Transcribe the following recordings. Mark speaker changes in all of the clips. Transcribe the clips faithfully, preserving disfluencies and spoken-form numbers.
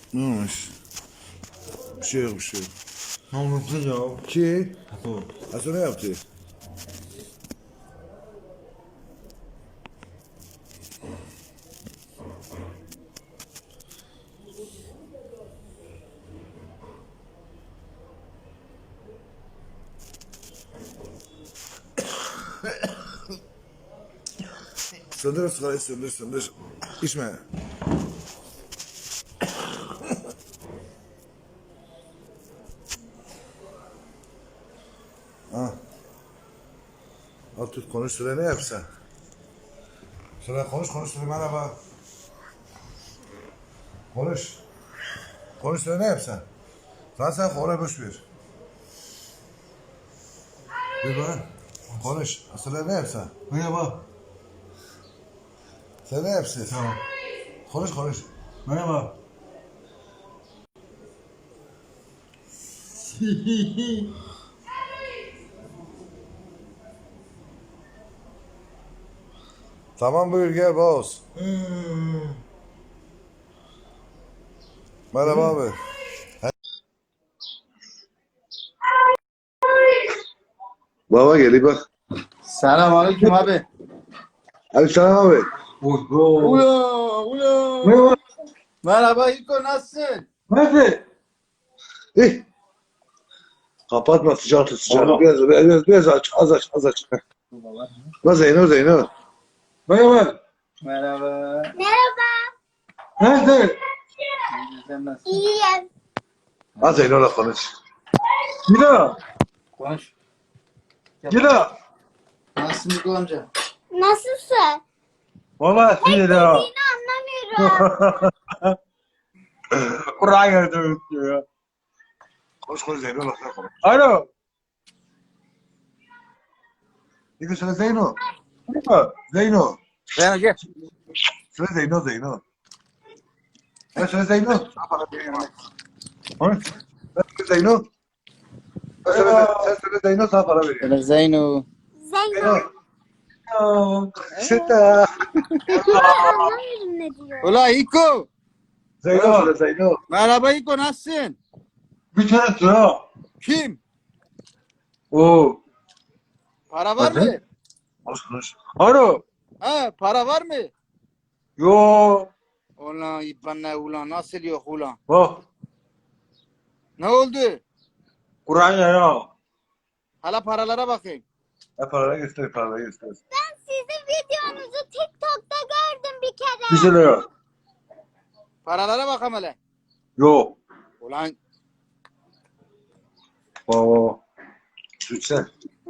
Speaker 1: Ne olmuş? Bir şey yok bir şey yok.
Speaker 2: Ne olmuş ya?
Speaker 1: Ki?
Speaker 2: Bu.
Speaker 1: Hasan ne yaptı? Söndür sigarayı söndür söndür. İçme. Ha. Al tut konuş söyle ne yapsa. Söyle konuş konuş söyle merhaba. Konuş. Konuş söyle ne yapsa. Sen sen oraya boş ver. Bir bana. Konuş. Söyle ne yapsa.
Speaker 2: Merhaba.
Speaker 1: Sen ne yapsın?
Speaker 2: Tamam.
Speaker 1: Konuş konuş.
Speaker 2: Merhaba.
Speaker 1: Tamam buyur gel boz. Merhaba abi. Baba geliyor bak.
Speaker 3: Selamünaleyküm abi.
Speaker 1: Abi selam abi.
Speaker 2: Oho.
Speaker 3: Ula ula.
Speaker 2: Merhaba.
Speaker 3: Merhaba İlko, nasılsın?
Speaker 2: Nasıl?
Speaker 1: Eh. Kapatma sıcak tut sıcak.
Speaker 2: Baba.
Speaker 1: Biraz, biraz, biraz aç az aç az aç. Bak Zeyno Zeyno.
Speaker 2: Merhaba.
Speaker 3: Merhaba.
Speaker 2: Nasıl?
Speaker 3: Sen nasılsın?
Speaker 4: İyiyim.
Speaker 1: Az Zeyno'la konuş.
Speaker 2: Gida.
Speaker 3: Konuş.
Speaker 2: Gida.
Speaker 3: Nasılsın İlko amca?
Speaker 4: Nasılsın?
Speaker 2: Valla sizi de.
Speaker 4: Yine anlamıyorum.
Speaker 2: Kur'an yardım ya.
Speaker 1: Konuş konuş Zeyno'la konuş.
Speaker 2: Alo.
Speaker 1: Ne söyle Zeyno.
Speaker 2: Merhaba.
Speaker 1: Zeyno.
Speaker 3: Ben gel.
Speaker 1: Söyle Zeyno Zeyno. Ben söyle Zeyno.
Speaker 2: Konuş.
Speaker 1: Ben söyle Zeyno. Sen söyle, sen söyle Zeyno sana para veriyor.
Speaker 3: Böyle Zeyno.
Speaker 4: Zeyno.
Speaker 1: Zeyno. Seta.
Speaker 4: Anlamıyorum ne diyor.
Speaker 3: Ula İlko.
Speaker 1: Zeyno söyle Zeyno.
Speaker 3: Merhaba İlko, nasılsın?
Speaker 2: Bir tane sıra.
Speaker 3: Kim?
Speaker 2: Oo.
Speaker 3: Para var
Speaker 2: Hadi.
Speaker 3: mı?
Speaker 1: Konuş konuş.
Speaker 2: Alo.
Speaker 3: Ha, para var mı?
Speaker 2: Yo.
Speaker 3: Ulan İbbanla ulan, nasıl yok ulan?
Speaker 2: Bak.
Speaker 3: Ne oldu?
Speaker 2: Kur'an ya.
Speaker 3: Hala paralara bakayım.
Speaker 1: Ha paraları göster paraları göster.
Speaker 4: Ben sizin videonuzu TikTok'ta gördüm bir kere.
Speaker 2: Bir şey yok.
Speaker 3: Paralara bakalım hele.
Speaker 2: Yo.
Speaker 3: Ulan
Speaker 2: Oo.
Speaker 1: Lütfen.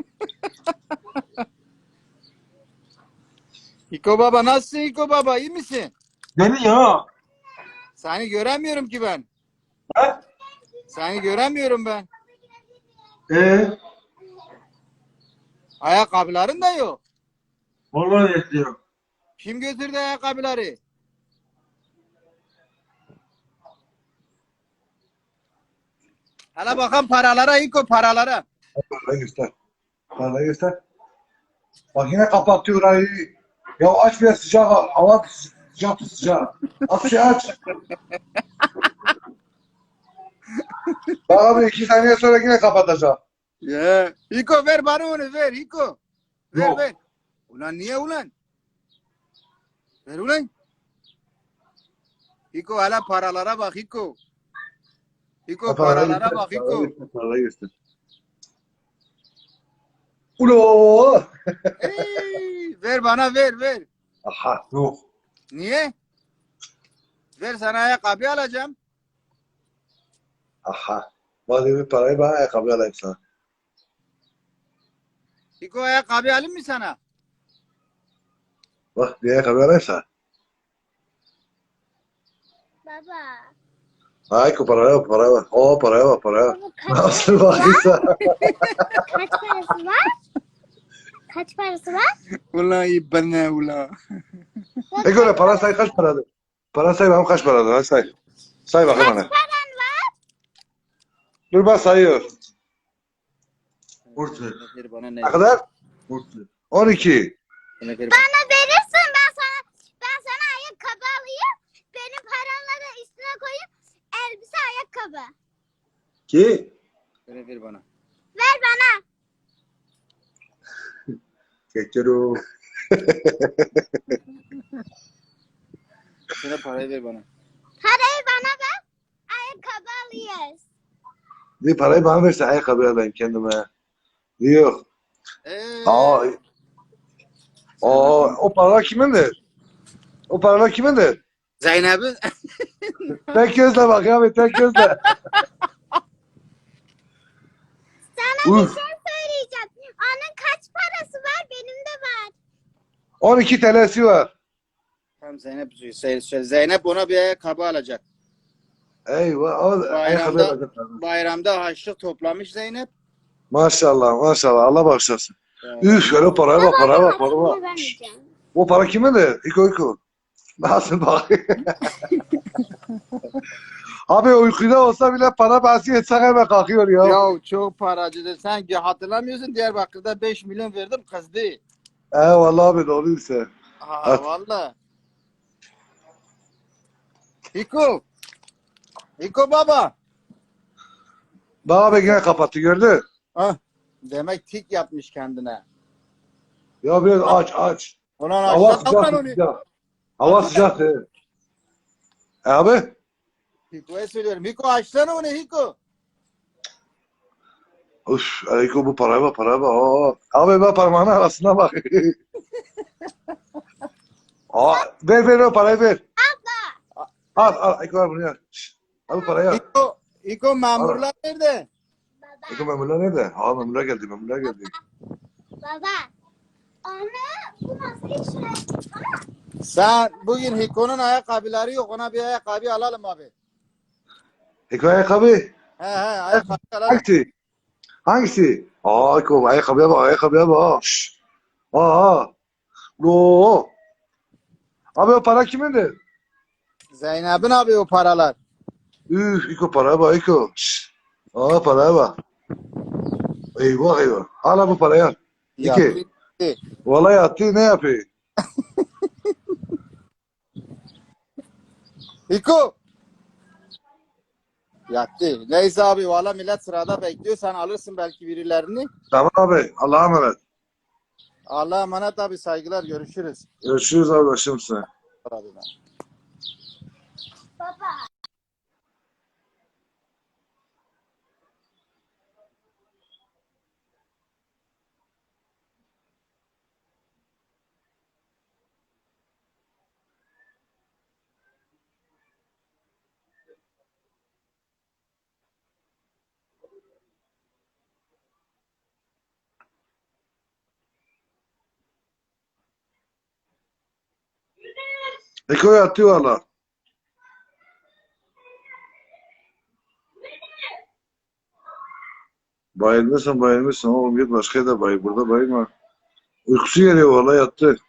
Speaker 3: İlko baba, nasılsın İlko baba, iyi misin?
Speaker 2: Beni ya.
Speaker 3: Seni göremiyorum ki ben.
Speaker 2: Ha?
Speaker 3: Seni göremiyorum ben.
Speaker 2: Ee,
Speaker 3: Ayakkabıların da yok.
Speaker 2: vallahi yetiyor.
Speaker 3: Kim götürdü ayakkabıları? Hala bakalım paralara İlko, paralara.
Speaker 1: Paraları göster. Paraları göster. Bak yine kapatıyor orayı. Ya aç biraz sıcak hava sıcak tut sıcak. Aç şey aç. Bak abi iki saniye sonra yine kapatacağım.
Speaker 3: Ya. İlko ver bana onu, ver İlko. Ver
Speaker 2: Yok.
Speaker 3: ver. Ulan niye ulan? Ver ulan. İlko hala paralara bak İlko. İlko paralara bak İlko.
Speaker 1: Paraları göster. Ulo.
Speaker 3: Ey, ver bana, ver ver.
Speaker 1: Aha.
Speaker 2: Yok.
Speaker 3: Niye? Ver, sana ayakkabı alacağım.
Speaker 1: Aha. Bak bir parayı bana ayakkabı alayım sana.
Speaker 3: İlko ayakkabı alayım mı sana?
Speaker 1: Bak bir ayakkabı alayım sana.
Speaker 4: Baba.
Speaker 1: Ay ku paraya bak paraya bak. Oo paraya bak paraya bak.
Speaker 4: Baba kaç,
Speaker 1: Nasıl bakıyorsa.
Speaker 4: kaç parası var? Kaç parası var?
Speaker 3: Ulan iyi ben ne ulan.
Speaker 1: E göre para say kaç paradır? Para say bakalım kaç paradır hadi say. Say bakalım bana.
Speaker 4: Paran var.
Speaker 1: Dur bak sayıyor.
Speaker 2: Burç ver.
Speaker 3: Ver bana ne?
Speaker 1: Ne kadar?
Speaker 2: Burç ver.
Speaker 1: on iki.
Speaker 3: Bana ver bana.
Speaker 4: Bana verirsin, ben sana ben sana ayakkabı alayım. Benim paranları üstüne koyup
Speaker 2: Ki?
Speaker 3: Ver ver bana.
Speaker 4: Ver bana.
Speaker 2: Geçero.
Speaker 3: Şuna parayı ver bana.
Speaker 4: Parayı bana ver. Ayakkabı alıyoruz.
Speaker 1: Bir parayı bana verse ayakkabı alayım kendime. Yok.
Speaker 3: Eee.
Speaker 1: Aa, aa, o paralar kimindir? O paralar kimindir?
Speaker 3: Zeynep'in.
Speaker 1: Tek gözle bak abi, tek gözle.
Speaker 4: Sana bir
Speaker 1: Uf.
Speaker 4: şey söyleyeceğim. Onun kaç parası var? Benim de var.
Speaker 1: on iki T L'si var.
Speaker 3: Tamam Zeynep söyle, söyle. Zeynep ona bir ayakkabı alacak.
Speaker 1: Eyvah. O ayakkabı
Speaker 3: Bayramda
Speaker 1: alacak.
Speaker 3: bayramda harçlık toplamış Zeynep.
Speaker 1: Maşallah, maşallah. Allah bağışlasın.
Speaker 3: Ee,
Speaker 1: Üf, şöyle paraya bak, paraya bak, paraya bak.
Speaker 4: Bunu vermeyeceğim.
Speaker 1: O para kimindir? İko iko. Nasıl bak? Abi uykuda olsa bile para bahsi etsek hemen kalkıyor ya.
Speaker 3: Ya çok paracıdır. Sen hatırlamıyorsun Diyarbakır'da beş milyon verdim kızdı.
Speaker 1: Eyvallah abi, doğruysa.
Speaker 3: Ha
Speaker 1: Evet.
Speaker 3: valla. Hiko. Hiko baba.
Speaker 1: Bak abi yine kapattı, gördün.
Speaker 3: Ah, demek tik yapmış kendine.
Speaker 1: Ya biraz aç aç.
Speaker 3: Ulan
Speaker 1: Hava
Speaker 3: aşağı
Speaker 1: sıcak,
Speaker 3: kalkan onu.
Speaker 1: sıcak. Hava sıcak. he. E abi?
Speaker 3: Hiko'ya söylüyorum. Hiko açsana onu Hiko.
Speaker 1: Üf, Eko bu paraya bak, paraya bak. Aa, abi bak parmağının arasına bak. Aa, ver ver o parayı ver. Al al Eko al bunu ya. Şşt, al parayı al.
Speaker 3: Hiko, Hiko memurlar nerede?
Speaker 4: Baba.
Speaker 1: Eko memurlar nerede? Ha memurlar geldi, memurlar geldi.
Speaker 4: Baba. Onu bu nasıl işler?
Speaker 3: Sen bugün Hiko'nun ayakkabıları yok. Ona bir ayakkabı alalım abi.
Speaker 1: Eko ayakkabı.
Speaker 3: He he ayakkabı alalım.
Speaker 1: Hangisi? Hangisi? Aa Eko ayakkabıya bak, ayakkabıya bak. Şşt. Aa. Oo. Abi o para kimindir?
Speaker 3: Zeynep'in abi o paralar.
Speaker 1: Üf, Eko paraya bak Eko. Şşt. Aa paraya bak. Eyvah eyvah. Al bu parayı al. İki.
Speaker 3: Ya,
Speaker 1: Vallahi attı ne yapıyor?
Speaker 3: Hiko. Yattı. Neyse abi valla millet sırada bekliyor. Sen alırsın belki birilerini.
Speaker 1: Tamam abi. Allah'a emanet.
Speaker 3: Allah'a emanet abi saygılar görüşürüz.
Speaker 1: Görüşürüz abi başımsın.
Speaker 3: Abi ben.
Speaker 4: Baba.
Speaker 1: Eko yattı valla. Bayılmışsın bayılmışsın oğlum git başka yerde bayıl. Burada bayılma. Uykusu geliyor valla yattı.